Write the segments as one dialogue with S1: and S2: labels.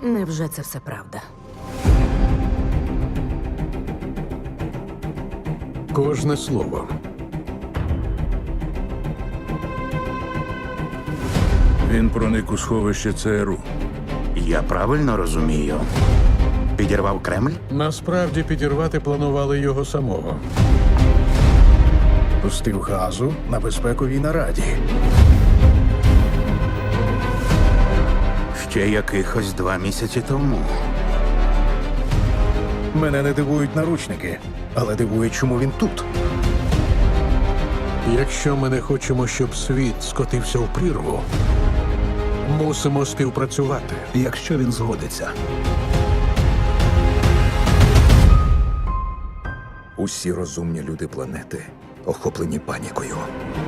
S1: Невже це все правда?
S2: Кожне слово.
S3: Він проник у сховище ЦРУ.
S4: Я правильно розумію? Підірвав Кремль?
S2: Насправді підірвати планували його самого.
S5: Пустив газу на безпековій нараді.
S4: Ще якихось 2 місяці тому.
S5: Мене не дивують наручники, але дивує, чому він тут.
S2: Якщо ми не хочемо, щоб світ скотився в прірву, мусимо співпрацювати.
S5: Якщо він згодиться. Усі розумні люди планети охоплені панікою.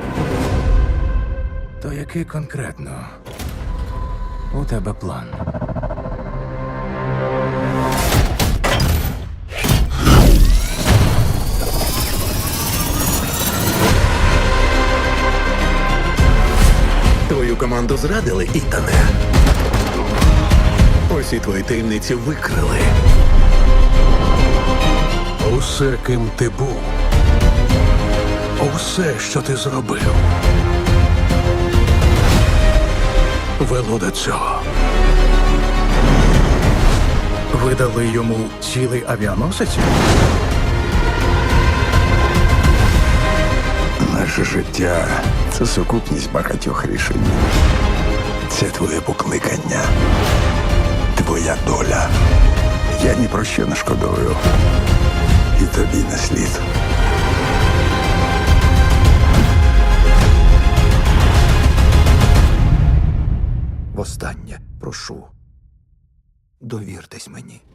S5: То який конкретно у тебе план?
S6: Твою команду зрадили, Ітане. Усі твої таємниці викрили.
S2: Усе, ким ти був, усе, що ти зробив, вело до цього.
S5: Ви дали йому цілий авіаносець?
S6: Наше життя – це сукупність багатьох рішень. Це твоє покликання, твоя доля. Я ні про що не шкодую. І тобі не слід.
S5: Востаннє прошу. Довіртесь мені.